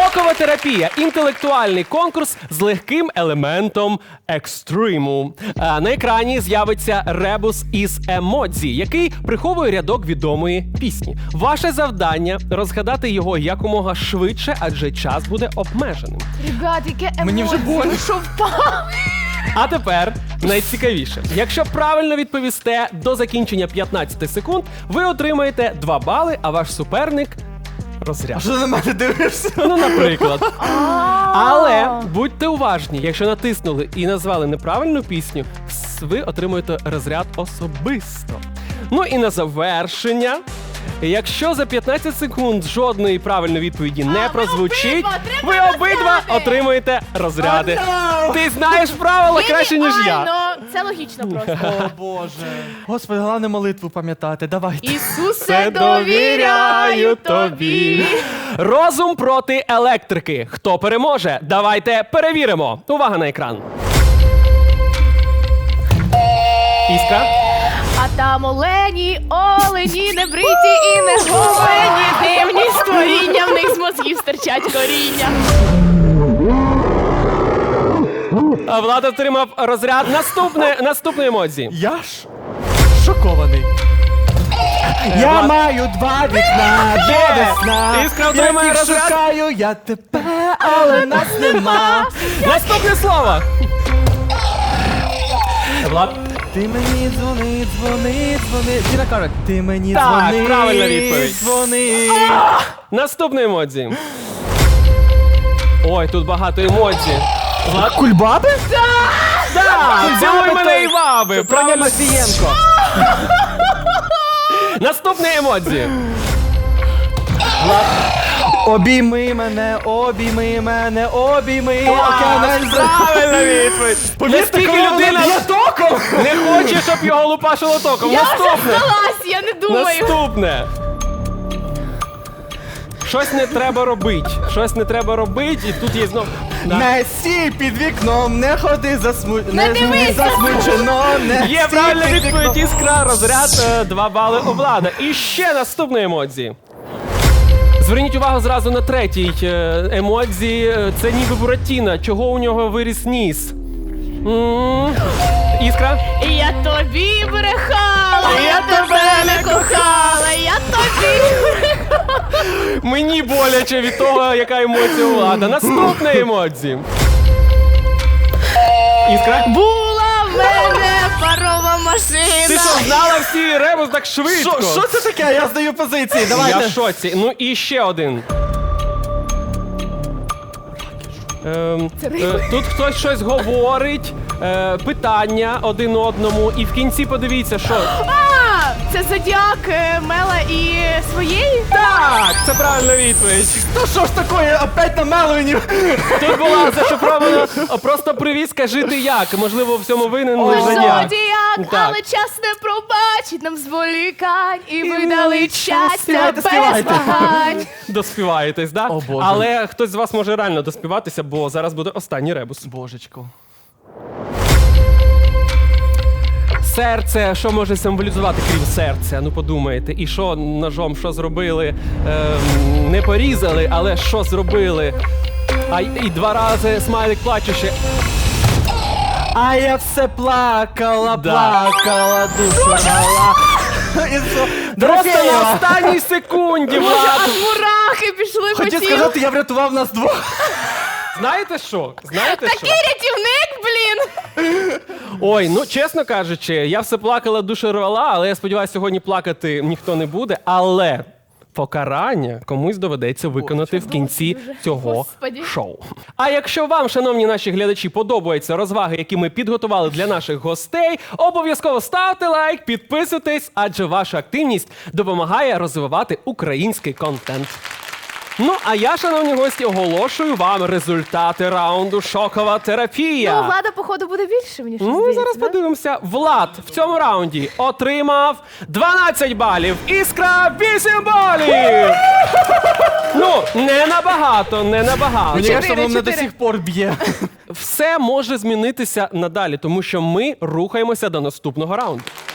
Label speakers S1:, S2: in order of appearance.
S1: Шокова терапія – інтелектуальний конкурс з легким елементом екстриму. На екрані з'явиться ребус із емодзі, який приховує рядок відомої пісні. Ваше завдання – розгадати його якомога швидше, адже час буде обмеженим.
S2: Ребят, яке емоції.
S3: Мені вже больно.
S2: Що впав?
S1: А тепер найцікавіше. Якщо правильно відповісте до закінчення 15 секунд, ви отримаєте 2 бали, а ваш суперник – розряд.
S3: Що ти на мене дивишся?
S1: Ну, наприклад. Але будьте уважні, якщо натиснули і назвали неправильну пісню, ви отримуєте розряд особисто. Ну і на завершення, якщо за 15 секунд жодної правильної відповіді не прозвучить, ви обидва отримуєте розряди. Ти знаєш правила краще, ніж я.
S2: Це логічно просто.
S3: О, Боже. Господи, головне молитву пам'ятати. Давайте.
S2: Ісусе, довіряю тобі.
S1: Розум проти електрики. Хто переможе? Давайте перевіримо. Увага на екран. Іскра.
S2: А там олені, не бриті і не голені, дивні створіння, в них з мозгів стирчать коріння.
S1: А Влад отримав розряд. Наступне емодзі.
S3: Я ж шокований. Я маю 2 вікна до весна.
S1: Іскра отримує
S3: Я їх
S1: розряд.
S3: шукаю, я тебе, але нас нема.
S1: Наступне слово. Влад.
S3: Ти мені дзвони. Діна каже, ти мені
S1: Так,
S3: дзвони.
S1: правильна відповідь.
S3: Дзвони.
S1: Наступне емодзі. Ой, тут багато емодзі. Влад.
S3: Кульбаби?
S1: Так, цілуй мене
S3: той.
S1: і баби.
S3: Правильно, Матвієнко.
S1: Наступне емодзі.
S3: Обійми мене, обійми.
S1: Правильна відповідь. Наскільки людина
S3: током?
S1: не хоче, щоб його лупашило током.
S2: Я вже
S1: Наступне.
S2: здалась, я не думаю.
S1: Наступне. Щось не треба робити, і тут є знов.
S3: Не сій під вікном, не ходи
S2: Не дивись
S3: засмучено, не
S1: Є
S3: сій
S1: правильна
S3: під
S1: відповідь,
S3: вікном.
S1: Іскра, розряд, 2 бали у Влада. І ще наступне емодзі. Зверніть увагу зразу на третій емодзі. Це ніби Буратіно. Чого у нього виріс ніс? Іскра?
S2: Я тобі брехала, я тебе не кохала, я тобі брехала.
S1: Мені боляче від того, яка емоція у Влада. Наступне емодзі. Іскра?
S2: Була в мене парова машина.
S1: Ти що, знала всі ребус так швидко?
S3: Що це таке? Я здаю позиції,
S1: Я
S3: давайте.
S1: в шоці. Ну і ще один. Тут хтось щось говорить, питання один одному, і в кінці подивіться, що.
S2: А, це Зодіак Мела і своєї?
S1: Так, це правильна відповідь.
S3: Ну що ж таке, опять на Меловіні?
S1: Тут була зашифрована просто привізка жити як. Можливо, в цьому винен лише я.
S2: Зодіак,
S1: Так.
S2: але час не пробачить нам зволікань і видали щастя
S3: Співайте,
S2: без
S3: співайте.
S2: вагань.
S1: Доспіваєтесь, да?
S3: О, Боже.
S1: Але хтось з вас може реально доспіватися, бо зараз буде останній ребус.
S3: Божечко.
S1: Серце, що може символізувати, крім серця? Ну подумайте. І що ножом, що зробили? Не порізали, але що зробили? А і 2 рази смайлик плачучи.
S3: А я все плакала,
S1: Да.
S3: плакала, душа мала.
S1: Просто на останній секунді,
S2: Боже,
S1: Влад.
S2: аж мурахи пішли по
S3: Хотів
S2: тілу.
S3: сказати, я врятував нас двох.
S1: Знаєте що?
S2: Такий рятівник, блін!
S1: Ой, ну чесно кажучи, я все плакала, душу рвала, але я сподіваюся, сьогодні плакати ніхто не буде. Але покарання комусь доведеться виконати в кінці цього
S2: Господи.
S1: шоу. А якщо вам, шановні наші глядачі, подобаються розваги, які ми підготували для наших гостей, обов'язково ставте лайк, підписуйтесь, адже ваша активність допомагає розвивати український контент. Ну, а я, шановні гості, оголошую вам результати раунду «Шокова терапія».
S2: Ну, Влада, походу, буде більше, мені щось
S1: Ну,
S2: здається,
S1: зараз
S2: да?
S1: подивимося. Влад в цьому раунді отримав 12 балів. Іскра 8 балів. Ну, не набагато.
S3: Мені кажется, воно мене до
S2: 4.
S3: сих пор б'є.
S1: Все може змінитися надалі, тому що ми рухаємося до наступного раунду.